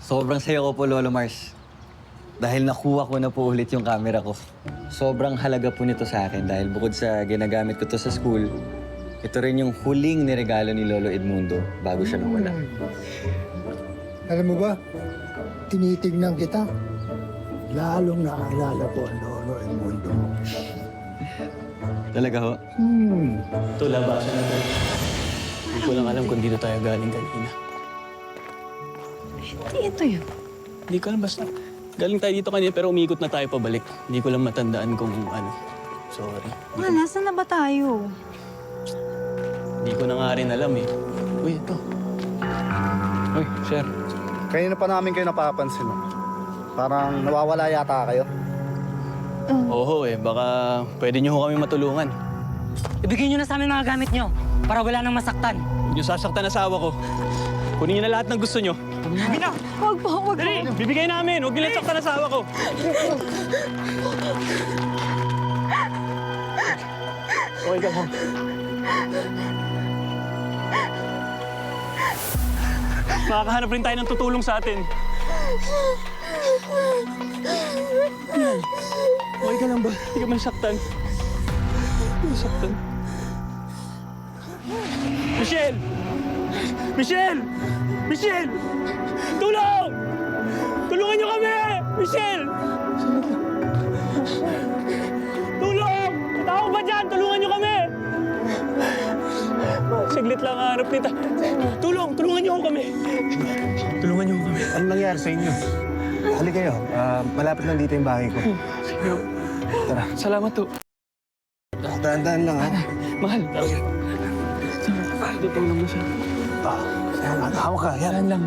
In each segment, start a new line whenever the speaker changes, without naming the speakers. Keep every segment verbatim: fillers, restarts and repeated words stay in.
Sobrang saya ko po, Lolo Mars. Dahil nakuha ko na po ulit yung camera ko. Sobrang halaga po nito sa akin dahil bukod sa ginagamit ko to sa school, ito rin yung huling niregalo ni Lolo Edmundo bago siya nawala.
Alam mo ba, tinitignan kita. Lalong naalala ko ang Lolo Edmundo.
Talaga ho?
Hmm.
Ito, labasan na tayo. Hindi ko lang alam kung dito tayo galing kanina.
Hindi ito yun.
Hindi ko alam, basta. Galing tayo dito kanina pero umikot na tayo pabalik. Hindi ko lang matandaan kung ano. Sorry.
Ma, nasaan na ba tayo?
Hindi ko na nga rin alam eh. Uy, ito. Uy, sir.
Kanina pa namin kayo napapansin. oh. Parang nawawala yata kayo.
Oo eh, baka pwede niyo ho kami matulungan.
Ibigay niyo na sa amin mga gamit niyo para wala nang masaktan.
Huwag niyo sasaktan asawa ko. Kunin niyo na lahat ng gusto niyo.
Huwag po, huwag po.
Dali, bibigay namin. Huwag niyo lang saktan asawa ko. Okay ka mo. Makakahanap rin tayo ng tutulong sa atin. Yan. Okay ka lang ba? Hindi ka man saktan. Hindi ka saktan. Michelle! Michelle! Michelle! Tulong! Tulungan niyo kami! Michelle! Tulong! Tao ba dyan? Tulungan niyo kami! Saglit lang ang harap nita. Tulong! Tulungan niyo kami! Tulungan niyo kami.
Ano nangyari sa inyo? Hali kayo. Ah, malapit lang dito yung bahay ko.
Sige.
Tara.
Salamat to.
Dahan-dahan lang, ha?
Mahal. Tara. Tutulong mo siya.
Ah, yan, hawak ka. Yan.
Yan lang.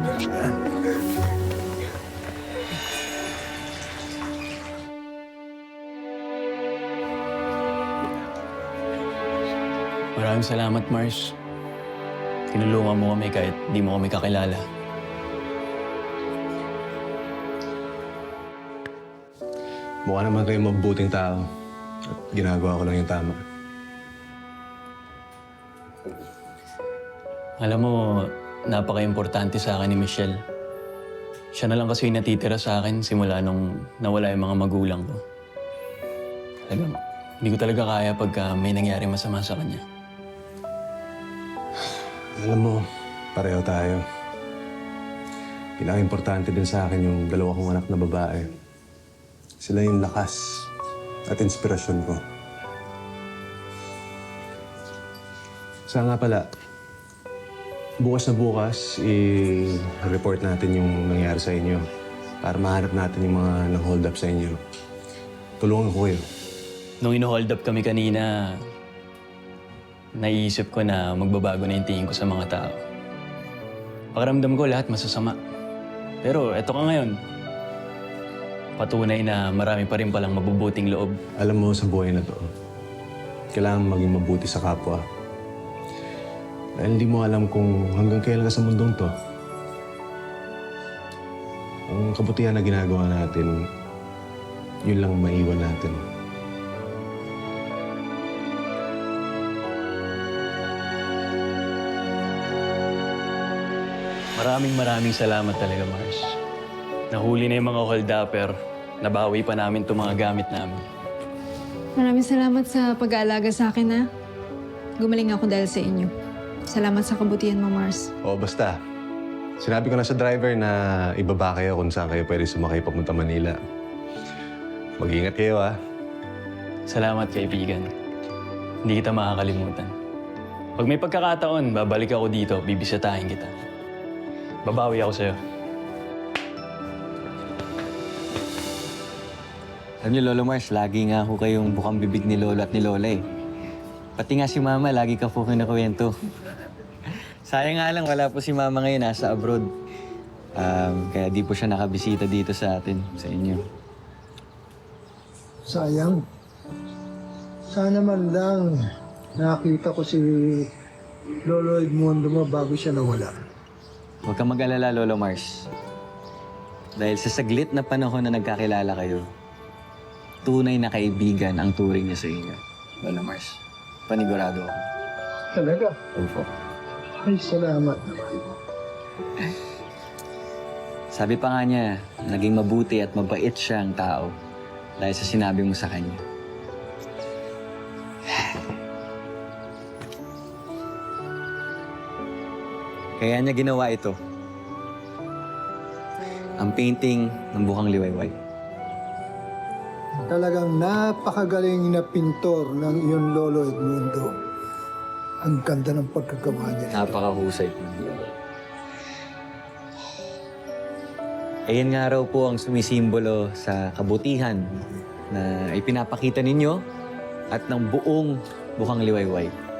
Maraming salamat, Mars. Tinulungan mo kami kahit di mo kami kakilala.
Mukha naman kayong mabuting tao. At ginagawa ko lang yung tama.
Alam mo, napaka-importante sa akin ni Michelle. Siya na lang kasi yung natitira sa akin simula nung nawala yung mga magulang ko. Talagang, hindi ko talaga kaya pagka may nangyari masama sa kanya.
Alam mo, pareho tayo. Pinaka-importante din sa akin yung dalawa kong anak na babae. Sila yung lakas at inspirasyon ko. Sa nga pala, bukas na bukas, i-report natin yung nangyari sa inyo para mahanap natin yung mga nang-hold up sa inyo. Tulungan ko kayo.
Nung ino-hold up kami kanina, naiisip ko na magbabago na yung tingin ko sa mga tao. Pakiramdam ko lahat masasama. Pero eto ka ngayon. Patunay na marami pa rin palang mabubuting loob.
Alam mo, sa buhay na to, kailangan maging mabuti sa kapwa. Dahil hindi mo alam kung hanggang kailan ka sa mundong to. Ang kabutihan na ginagawa natin, yun lang maiwan natin.
Maraming maraming salamat talaga, Mars. Nahuli na yung mga hold-upper. Nabawi pa namin itong mga gamit namin.
Maraming salamat sa pag-aalaga sa akin, ha? Gumaling ako dahil sa inyo. Salamat sa kabutihan mo, Mars.
O basta, sinabi ko na sa driver na ibaba kayo kung saan kayo pwede sumakay papunta Manila. Mag-iingat kayo, ha?
Salamat, kaibigan. Hindi kita makakalimutan. Pag may pagkakataon, babalik ako dito, bibisitahin kita. Babawi ako sa'yo.
Alam niyo, Lolo Mars, lagi nga ako kayong bukang bibig ni Lolo at ni Lola eh. Pati nga si Mama, lagi ka po kinakwento. Sayang nga lang, wala po si Mama ngayon, nasa abroad. Um, kaya di po siya nakabisita dito sa atin, sa inyo.
Sayang. Sana man lang nakita ko si Lolo Edmundo mo bago siya nawala.
Huwag kang mag-alala, Lolo Mars. Dahil sa saglit na panahon na nagkakilala kayo, tunay na kaibigan ang turing niya sa inyo. Lolo Mars, panigurado ako.
Talaga?
Opo.
Ay, salamat naman.
Sabi pa nga niya, naging mabuti at mabait siyang tao dahil sa sinabi mo sa kanya. Kaya niya ginawa ito. Ang painting ng Bukang Liwayway.
Talagang napakagaling na pintor ng iyong lolo Edmundo. Ang ganda ng pagkagawa niya.
Napakahusay po. Ayan nga raw po ang sumisimbolo sa kabutihan na ipinapakita ninyo at ng buong Bukang Liwayway.